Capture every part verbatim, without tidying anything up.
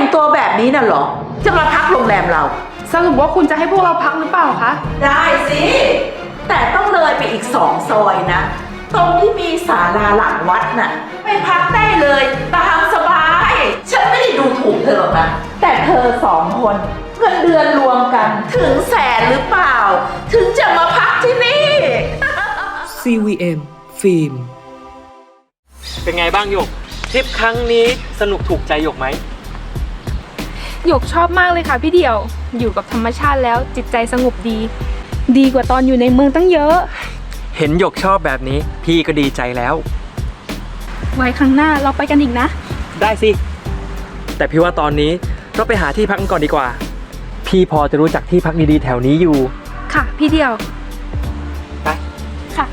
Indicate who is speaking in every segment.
Speaker 1: งตัวแบบนี้น่ะเหรอจะมาพักโรงแรมเรา
Speaker 2: สรุปว่าคุณจะให้พวกเราพักหรือเปล่าคะ
Speaker 1: ได้สิ แต่ต้องเลยไปอีกสองซอยนะ ตรงที่มีศาลาหลังวัดน่ะไปพักได้เลยตามสบาย ฉันไม่ได้ดูถูกเธอหรอกนะ แต่เธอสองคนเงินเดือนรวมกันถึงแสนหรือเปล่า ถึงจะมาพักที่นี่
Speaker 3: ซี วี เอ็ม ฟิล์ม
Speaker 4: เป็นไงบ้างหยกทริปครั้งนี้สนุกถูกใจหยกไหม
Speaker 2: หยกชอบมากเลยค่ะพี่เดี่ยว อยู่กับธรรมชาติแล้วจิตใจสงบดี ดีกว่าตอนอยู่ในเมืองตั้งเยอะ
Speaker 4: เห็นหยกชอบแบบนี้พี่ก็ดีใจแล้ว
Speaker 2: ไว้ครั้งหน้าเราไปกันอีกนะ
Speaker 4: ได้สิแต่พี่ว่าตอนนี้เราไปหาที่พักกันก่อนดีกว่าพี่พอจะรู้จักที่พักดีๆแถวนี้อยู่
Speaker 2: ค่ะพี่เดี่ยว
Speaker 4: ไป
Speaker 2: ค่ะ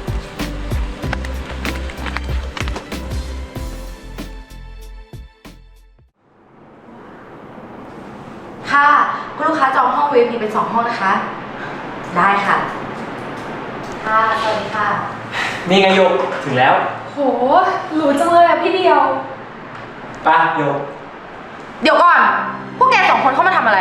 Speaker 5: ค่ะคุณลูกค้าจองห้อง วี ไอ พี เป็นสองห้องนะคะ ได้ค่ะ ค่ะ สวัสดีค่ะ
Speaker 4: นี่ไงหยกถึงแล้ว
Speaker 2: โหหรูจังเลยอะพี่เดี่ยว
Speaker 4: ไปหยก
Speaker 5: เดี๋ยวก่อน พวกแกสองคนเข้ามาทำอะไร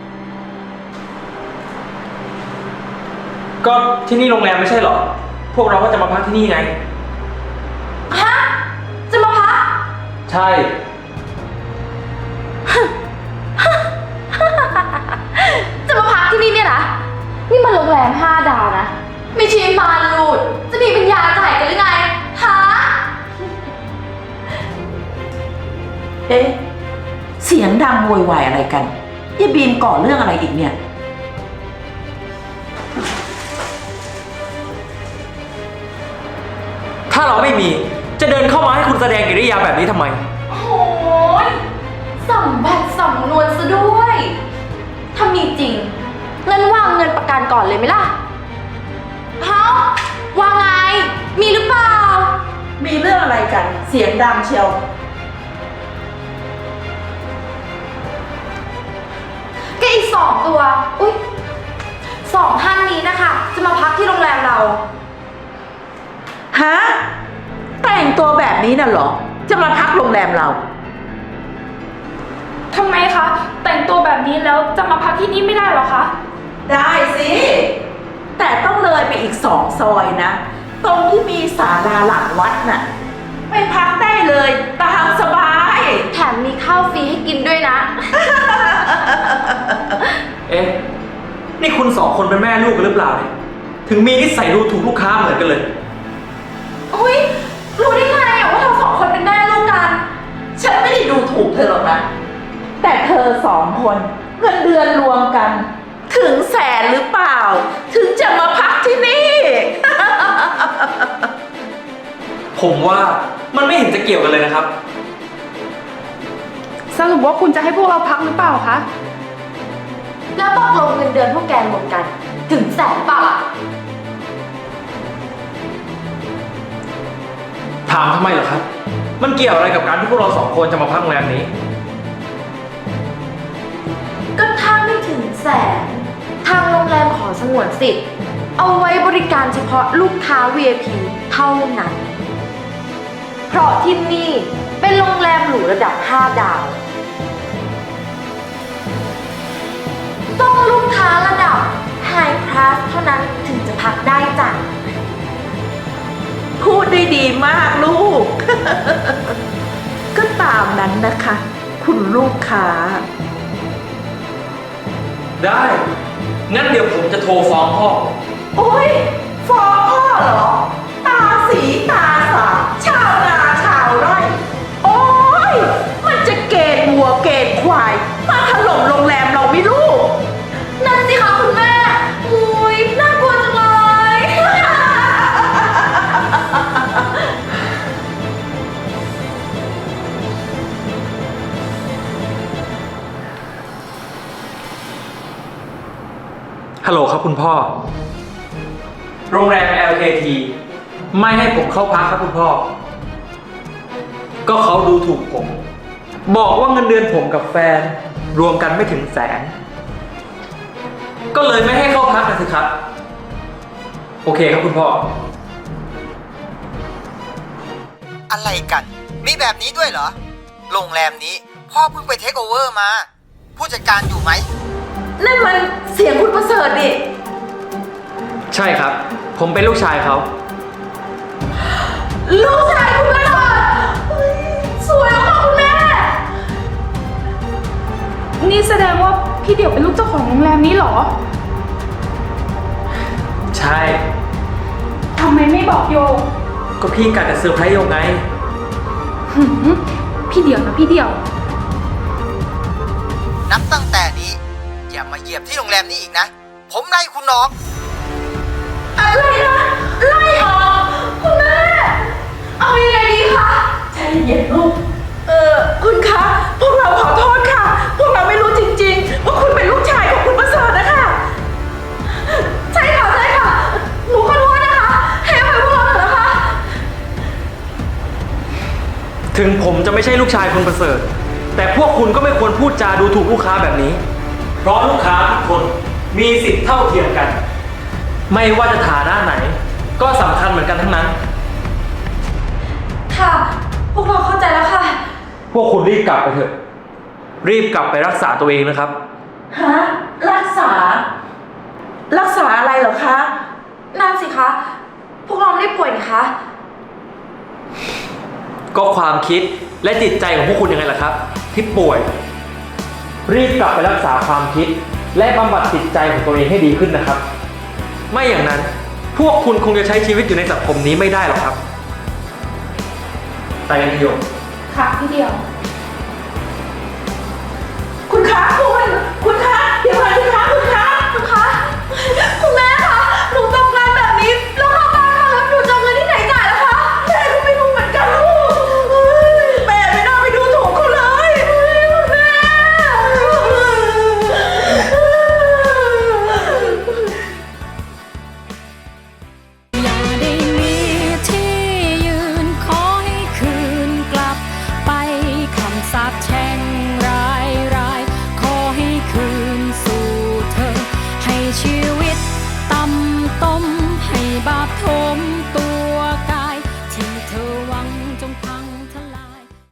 Speaker 4: ก็ที่นี่โรงแรมไม่ใช่หรอพวกเราก็จะมาพักที่นี่ไง
Speaker 5: ฮะ จะมาพัก
Speaker 4: ใช่
Speaker 5: จะมาพักที่นี่เนี่ยนะ นี่มันโรงแรมห้าดาวนะ ไม่ใช่มารลูด จะมีปัญญาจ่ายกันหรือไง ฮะ
Speaker 1: เอ๊ะเสียงดังโวยวายอะไรกันยายบีมก่อเรื่องอะไรอีกเนี่ย
Speaker 4: ถ้าเราไม่มีจะเดินเข้ามาให้คุณแสดงกิริยาแบบนี้ทำไม
Speaker 5: โอ้ยสัมบัติสำนวนซะด้วย ถ้ามีจริงงั้นวางเงินประกันก่อนเลยไหมล่ะเฮ้าวางไง มีหรือเปล่า
Speaker 1: มีเรื่องอะไรกันเสียงดังเชียว
Speaker 5: ก็อีกสองตัว อุ๊ยสองท่านนี้นะคะ จะมาพักที่โรงแรมเรา
Speaker 1: ฮะแต่งตัวแบบนี้น่ะเหรอจะมาพักโรงแรมเรา
Speaker 2: ทำไมคะ แต่งตัวแบบนี้แล้วจะมาพักที่นี่ไม่ได้หรอคะ
Speaker 1: ได้สิ แต่ต้องเลยไปอีกสองซอยนะ ตรงที่มีศาลาหลังวัดน่ะไปพักได้เลยตามสบาย
Speaker 5: แถมมีข้าวฟรีให้กินด้วยนะ
Speaker 4: เอ๊ะนี่คุณสองคนเป็นแม่ลูกกันหรือเปล่าเนี่ยถึงมีนิสัยดูถูกลูกค้าเหมือนกันเลย
Speaker 5: อุ๊ยรู้ได้ไงอะว่าเราสองคนเป็นแม่ลูกกัน
Speaker 1: ฉันไม่ได้ดูถูกเธอหรอกนะ แต่เธอสองคนเงินเดือนรวมกัน ถึงแสนหรือเปล่า ถึงจะมาพักที่นี่
Speaker 4: ผมว่ามันไม่เห็นจะเกี่ยวกันเลยนะครับ
Speaker 2: สรุปว่าคุณจะให้พวกเราพักหรือเปล่าคะ
Speaker 5: แล้วตกลงเงินเดือนพวกแกรวมกัน ถึงแสนเปล่าล่ะ
Speaker 4: ถามทำไมเหรอครับ มันเกี่ยวอะไรกับการที่พวกเราสองคนจะมาพักโรงแรมนี้
Speaker 5: ก็ถ้าไม่ถึงแสน ทางโรงแรมขอสงวนสิทธิ์ เอาไว้บริการเฉพาะลูกค้า วี ไอ พี เท่านั้น เพราะที่นี่เป็นโรงแรมหรูระดับห้าดาว ต้องลูกค้าระดับ High Class เท่านั้นถึงจะพักได้จ้ะ
Speaker 1: พูดได้ดีมากลูก ก็ตามนั้นนะคะ คุณลูกค้า
Speaker 4: ได้ งั้นเดี๋ยวผมจะโทรฟ้องพ่อ
Speaker 1: โอ๊ยฟ้องพ่อเหรอ ตาสีตาสาชาวนาชาวไร่ โอ๊ย มันจะเกณฑ์วัวเกณฑ์ควาย มาถล่มโรงแรมเราไม่รู้
Speaker 5: นั่นสิคะคุณแม่อุ้ยน่ากลัวจังเลย
Speaker 4: ฮัลโหลครับคุณพ่อ โรงแรม แอล เค ที ไม่ให้ผมเข้าพักครับคุณพ่อ ก็เขาดูถูกผม บอกว่าเงินเดือนผมกับแฟน รวมกันไม่ถึงแสน ก็เลยไม่ให้เข้าพักนะสิครับ โอเคครับคุณพ่อ
Speaker 6: อะไรกัน มีแบบนี้ด้วยเหรอ โรงแรมนี้พ่อเพิ่งไปเทคโอเวอร์มา ผู้จัดการอยู่ไหม
Speaker 1: นั่นมันเสียงคุณประเสริฐดิ
Speaker 4: ใช่ครับ ผมเป็นลูกชายเขา
Speaker 1: ลูกชายคุณประเสริฐเฮ้ยสวยมากคุณแม่
Speaker 2: นี่แสดงว่าพี่เดี่ยวเป็นลูกเจ้าของโรงแรมนี้เหรอ
Speaker 4: ใช่
Speaker 2: ทำไมไม่บอกโย
Speaker 4: ก็พี่กะจะเซอร์ไพรส์โยงไง
Speaker 2: หืมพี่เดี่ยวนะพี่เดี่ยว
Speaker 6: นับตั้งแต่นี้ อย่ามาเหยียบที่โรงแรมนี้อีกนะ ผมไล่คุณออก
Speaker 1: อะไรนะ ไล่ออกคุณแม่ เอายังไงดีคะใจเย็นลูก เออคุณคะ พวกเราขอโทษค่ะ พวกเราไม่รู้จริงๆ ว่าคุณเป็นลูกชายของคุณประเสริฐนะคะ ใช่ค่ะใช่ค่ะ หนูขอโทษนะคะ ให้อภัยพวกเราเถอะนะคะ
Speaker 4: ถึงผมจะไม่ใช่ลูกชายคุณประเสริฐ แต่พวกคุณก็ไม่ควรพูดจาดูถูกลูกค้าแบบนี้ เพราะลูกค้าทุกคนมีสิทธิ์เท่าเทียมกัน ไม่ว่าจะฐานะไหน ก็สำคัญเหมือนกันทั้งนั้น
Speaker 5: ค่ะ พวกเราเข้าใจแล้วค่ะ
Speaker 4: พวกคุณรีบกลับไปเถอะ รีบกลับไปรักษาตัวเองนะครับ
Speaker 1: ฮะ รักษา รักษาอะไรเหรอคะ
Speaker 5: นั่นสิคะ พวกเราไม่ได้ป่วยนี่คะ
Speaker 4: ก็ความคิดและจิตใจของพวกคุณยังไงล่ะครับ ที่ป่วย รีบกลับไปรักษาความคิด และบำบัดจิตใจของตัวเองให้ดีขึ้นนะครับ ไม่อย่างนั้นพวกคุณคงจะใช้ชีวิตอยู่ในสังคมนี้ไม่ได้หรอกครับ ไปกันเถอะโยม
Speaker 2: ค่ะพี่เดี่ยว